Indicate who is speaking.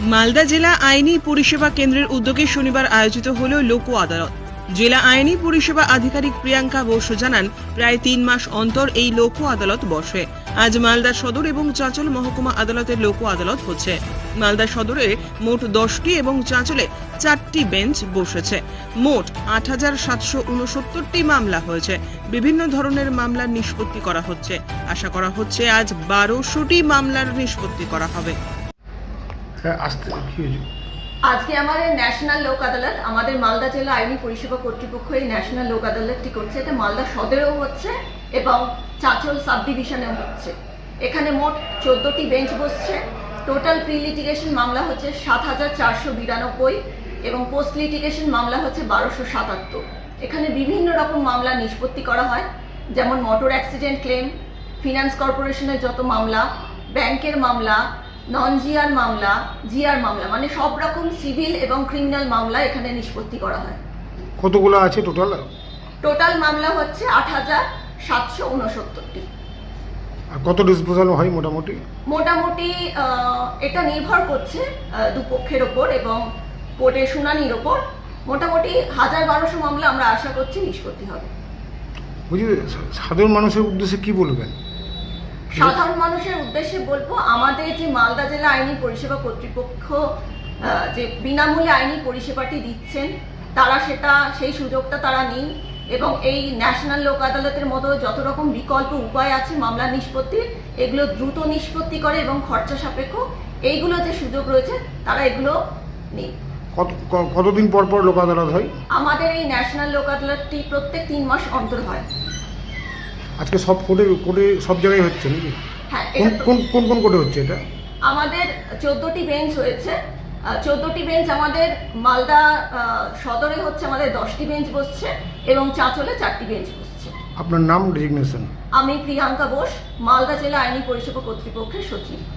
Speaker 1: মালদা জেলা আইনি পরিষেবা কেন্দ্রের উদ্যোগে শনিবার আয়োজিত হল লোক আদালত। জেলা আইনি পরিষেবা আধিকারিক প্রিয়াঙ্কা বসু জানান, প্রায় 3 মাস অন্তর এই লোক আদালত বসে। আজ মালদা সদর এবং চাঁচল মহকুমা আদালতের লোক আদালত হচ্ছে। মালদা সদরে মোট 10টি এবং চাঁচলে 4টি বেঞ্চ বসেছে। মোট 8,769টি মামলা হয়েছে। বিভিন্ন ধরনের মামলার নিষ্পত্তি করা হচ্ছে। আশা করা হচ্ছে আজ 1200টি মামলার নিষ্পত্তি করা হবে।
Speaker 2: আজকে আমাদের ন্যাশনাল লোক আদালত, আমাদের মালদা জেলা আইনি পরিষেবা কর্তৃপক্ষ এই ন্যাশনাল লোক আদালতটি করছে। এটা মালদা সদরেও হচ্ছে এবং চাঁচল সাব ডিভিশনেও হচ্ছে। এখানে মোট 14টি বেঞ্চ বসছে। টোটাল প্রি লিটিগেশন মামলা হচ্ছে 7,492 এবং পোস্ট লিটিগেশন মামলা হচ্ছে 1277। এখানে বিভিন্ন রকম মামলা নিষ্পত্তি করা হয়, যেমন মোটর অ্যাক্সিডেন্ট ক্লেম, ফিনান্স কর্পোরেশনের যত মামলা, ব্যাংকের মামলা, নন জিআর মামলা, জিআর মামলা, মানে সব রকম সিভিল এবং ক্রিমিনাল মামলা এখানে নিষ্পত্তি করা হয়।
Speaker 3: কতগুলো আছে টোটাল?
Speaker 2: টোটাল মামলা হচ্ছে 8,769টি।
Speaker 3: আর কত ডিসপোজাল হয় মোটামুটি?
Speaker 2: মোটামুটি এটা নির্ভর করছে দুপক্ষের ওপর এবং কোর্টের শুনানির ওপর। মোটামুটি 1,000-1,200 মামলা আমরা আশা করছি নিষ্পত্তি হবে।
Speaker 3: বুঝি, সাধারণ মানুষের উদ্দেশ্যে কি বলবেন?
Speaker 2: সাধারণ মানুষের উদ্দেশ্যে বলবো, আমাদের যে মালদা জেলা আইনি পরিষেবা কর্তৃপক্ষ যে বিনামূল্যে আইনি পরিষেবাটি দিচ্ছেন, তারা সেই সুযোগটা তারা নিন এবং এই ন্যাশনাল লোক আদালতের মতো যত রকম বিকল্প উপায় আছে মামলা নিষ্পত্তির, এগুলো দ্রুত নিষ্পত্তি করে এবং খরচা সাপেক্ষ এইগুলো যে সুযোগ রয়েছে তারা এগুলো নিন।
Speaker 3: কতদিন পর পর লোক আদালত হয়?
Speaker 2: আমাদের এই ন্যাশনাল লোক আদালতটি প্রত্যেক 3 মাস অন্তর হয়।
Speaker 3: আজকে সব কোর্টে সব জায়গায় হচ্ছে নাকি?
Speaker 2: হ্যাঁ।
Speaker 3: কোন কোন কোর্টে হচ্ছে এটা?
Speaker 2: আমাদের 14টি বেঞ্চ হয়েছে। 14টি বেঞ্চ আমাদের মালদা সদরে হচ্ছে, আমাদের 10টি বেঞ্চ বসছে এবং চাঁচলে 4টি বেঞ্চ বসছে।
Speaker 3: আপনার নাম, ডেজিগনেশন?
Speaker 2: আমি প্রিয়াঙ্কা বোস, মালদা জেলা আইনি পরিষেবা কর্তৃপক্ষের সচিব।